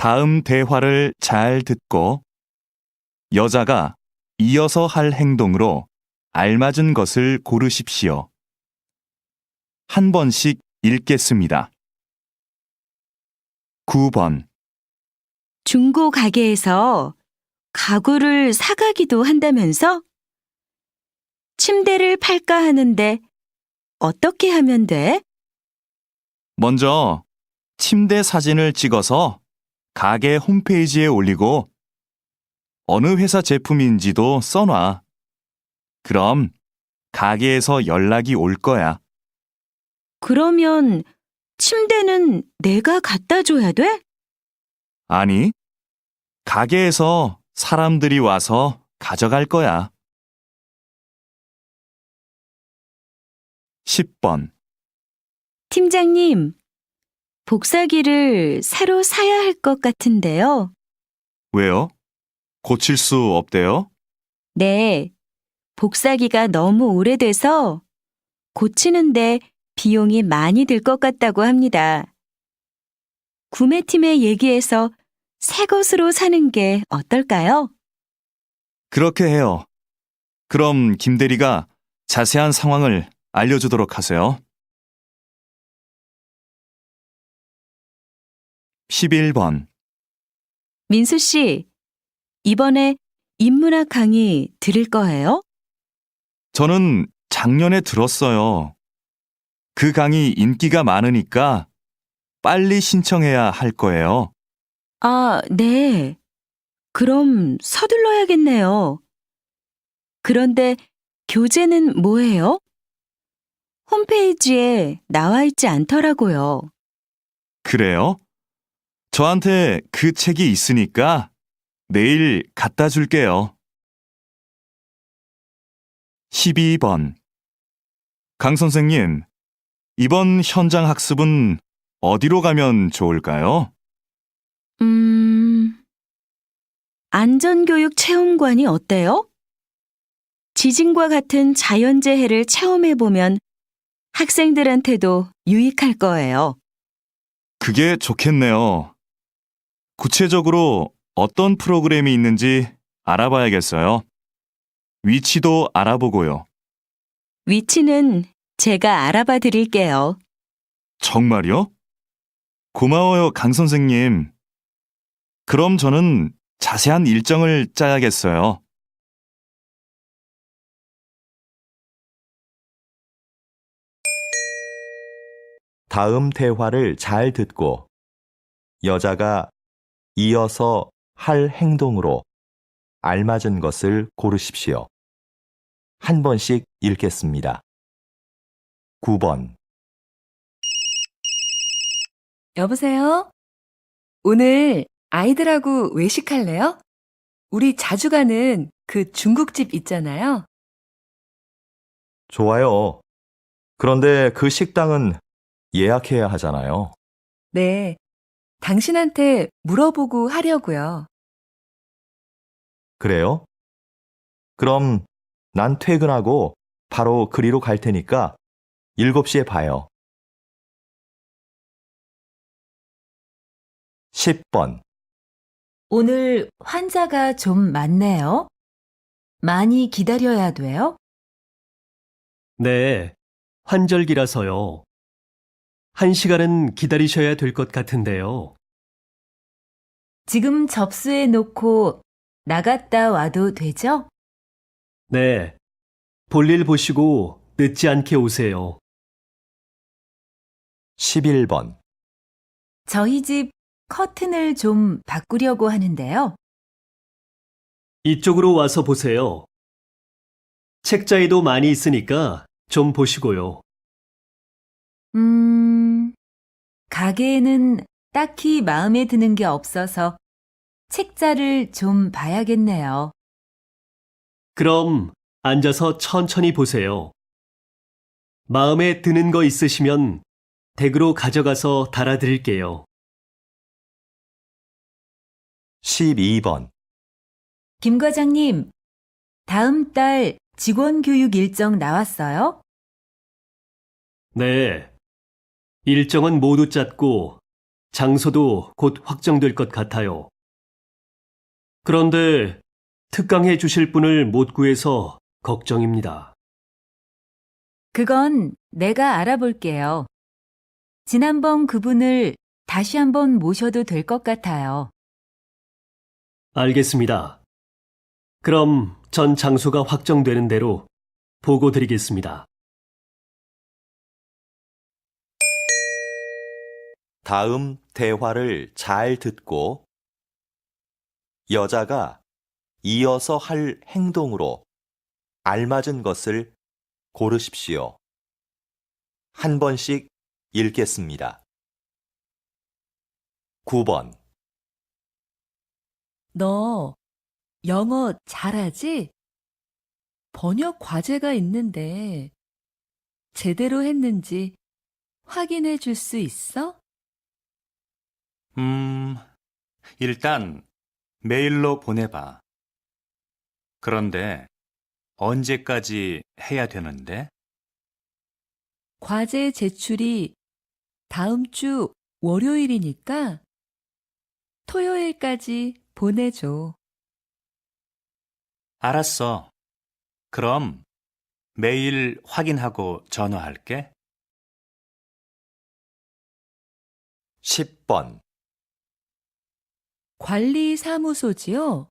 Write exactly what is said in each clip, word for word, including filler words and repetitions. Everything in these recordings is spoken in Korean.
다음 대화를 잘 듣고 여자가 이어서 할 행동으로 알맞은 것을 고르십시오. 한 번씩 읽겠습니다. 구 번. 중고 가게에서 가구를 사가기도 한다면서? 침대를 팔까 하는데 어떻게 하면 돼? 먼저 침대 사진을 찍어서 가게 홈페이지에 올리고 어느 회사 제품인지도 써놔. 그럼 가게에서 연락이 올 거야. 그러면 침대는 내가 갖다 줘야 돼? 아니, 가게에서 사람들이 와서 가져갈 거야. 십 번. 팀장님, 복사기를 새로 사야 할 것 같은데요. 왜요? 고칠 수 없대요? 네, 복사기가 너무 오래돼서 고치는데 비용이 많이 들 것 같다고 합니다. 구매팀에 얘기해서 새 것으로 사는 게 어떨까요? 그렇게 해요. 그럼 김 대리가 자세한 상황을 알려주도록 하세요. 십일 번. 민수 씨, 이번에 인문학 강의 들을 거예요? 저는 작년에 들었어요. 그 강의 인기가 많으니까 빨리 신청해야 할 거예요. 아, 네. 그럼 서둘러야겠네요. 그런데 교재는 뭐예요? 홈페이지에 나와 있지 않더라고요. 그래요? 저한테 그 책이 있으니까 내일 갖다 줄게요. 십이 번. 강 선생님, 이번 현장 학습은 어디로 가면 좋을까요? 음, 안전교육 체험관이 어때요? 지진과 같은 자연재해를 체험해보면 학생들한테도 유익할 거예요. 그게 좋겠네요. 구체적으로 어떤 프로그램이 있는지 알아봐야겠어요. 위치도 알아보고요. 위치는 제가 알아봐 드릴게요. 정말요? 고마워요, 강 선생님. 그럼 저는 자세한 일정을 짜야겠어요. 다음 대화를 잘 듣고 여자가 이어서 할 행동으로 알맞은 것을 고르십시오. 한 번씩 읽겠습니다. 구 번. 여보세요? 오늘 아이들하고 외식할래요? 우리 자주 가는 그 중국집 있잖아요. 좋아요. 그런데 그 식당은 예약해야 하잖아요. 네, 당신한테 물어보고 하려고요. 그래요? 그럼 난 퇴근하고 바로 그리로 갈 테니까 일곱 시에 봐요. 십 번. 오늘 환자가 좀 많네요. 많이 기다려야 돼요? 네, 환절기라서요. 한 시간은 기다리셔야 될 것 같은데요. 지금 접수해 놓고 나갔다 와도 되죠? 네, 볼일 보시고 늦지 않게 오세요. 십일 번. 저희 집 커튼을 좀 바꾸려고 하는데요. 이쪽으로 와서 보세요. 책자에도 많이 있으니까 좀 보시고요. 음, 가게에는 딱히 마음에 드는 게 없어서 책자를 좀 봐야겠네요. 그럼 앉아서 천천히 보세요. 마음에 드는 거 있으시면 댁으로 가져가서 달아드릴게요. 십이 번. 김 과장님, 다음 달 직원 교육 일정 나왔어요? 네, 일정은 모두 짰고 장소도 곧 확정될 것 같아요. 그런데 특강해 주실 분을 못 구해서 걱정입니다. 그건 내가 알아볼게요. 지난번 그분을 다시 한번 모셔도 될 것 같아요. 알겠습니다. 그럼 전 장소가 확정되는 대로 보고 드리겠습니다. 다음 대화를 잘 듣고 여자가 이어서 할 행동으로 알맞은 것을 고르십시오. 한 번씩 읽겠습니다. 구 번. 너 영어 잘하지? 번역 과제가 있는데 제대로 했는지 확인해 줄 수 있어? 음, 일단 메일로 보내봐. 그런데 언제까지 해야 되는데? 과제 제출이 다음 주 월요일이니까 토요일까지 보내줘. 알았어. 그럼 메일 확인하고 전화할게. 십 번. 관리사무소지요?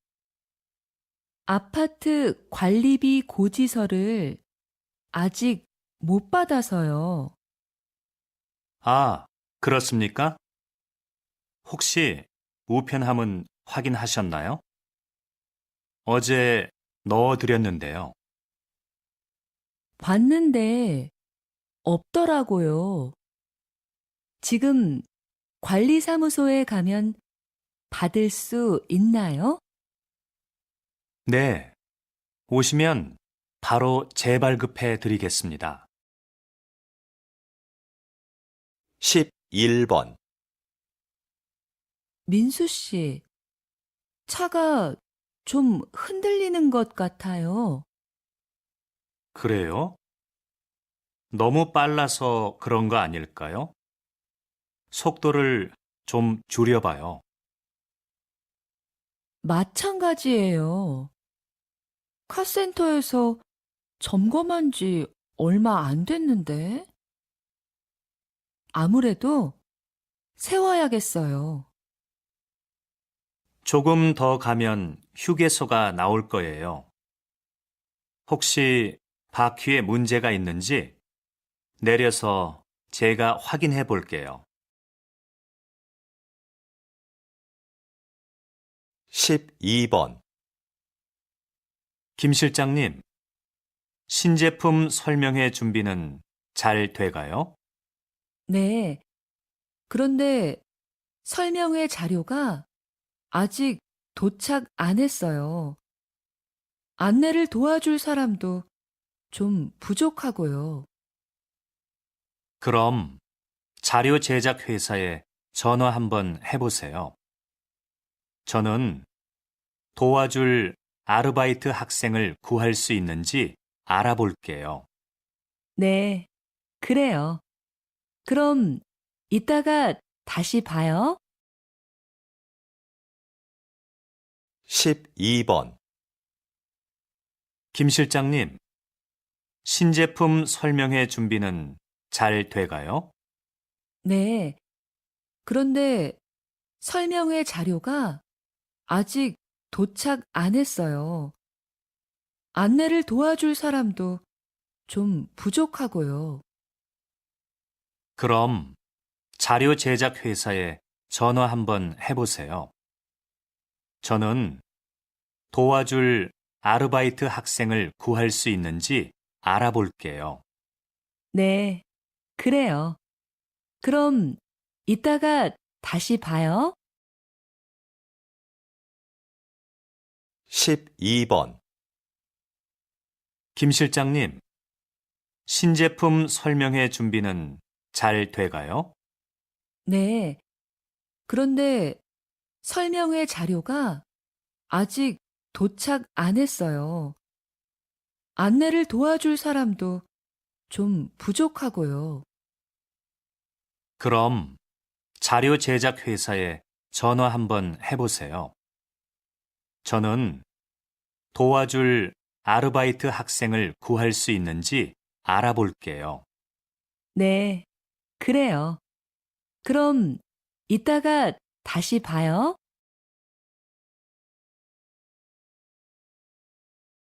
아파트 관리비 고지서를 아직 못 받아서요. 아, 그렇습니까? 혹시 우편함은 확인하셨나요? 어제 넣어드렸는데요. 봤는데 없더라고요. 지금 관리사무소에 가면 받을 수 있나요? 네, 오시면 바로 재발급해 드리겠습니다. 십일 번. 민수 씨, 차가 좀 흔들리는 것 같아요. 그래요? 너무 빨라서 그런 거 아닐까요? 속도를 좀 줄여봐요. 마찬가지예요. 카센터에서 점검한 지 얼마 안 됐는데. 아무래도 세워야겠어요. 조금 더 가면 휴게소가 나올 거예요. 혹시 바퀴에 문제가 있는지 내려서 제가 확인해 볼게요. 십이 번. 김 실장님, 신제품 설명회 준비는 잘 돼가요? 네. 그런데 설명회 자료가 아직 도착 안 했어요. 안내를 도와줄 사람도 좀 부족하고요. 그럼 자료 제작 회사에 전화 한번 해보세요. 저는 도와줄 아르바이트 학생을 구할 수 있는지 알아볼게요. 네, 그래요. 그럼 이따가 다시 봐요. 십이 번. 김 실장님, 신제품 설명회 준비는 잘 돼가요? 네. 그런데 설명회 자료가 아직 도착 안 했어요. 안내를 도와줄 사람도 좀 부족하고요. 그럼 자료 제작 회사에 전화 한번 해보세요. 저는 도와줄 아르바이트 학생을 구할 수 있는지 알아볼게요. 네, 그래요. 그럼 이따가 다시 봐요. 십이 번. 김 실장님, 신제품 설명회 준비는 잘 돼가요? 네. 그런데 설명회 자료가 아직 도착 안 했어요. 안내를 도와줄 사람도 좀 부족하고요. 그럼 자료 제작 회사에 전화 한번 해보세요. 저는 도와줄 아르바이트 학생을 구할 수 있는지 알아볼게요. 네, 그래요. 그럼 이따가 다시 봐요.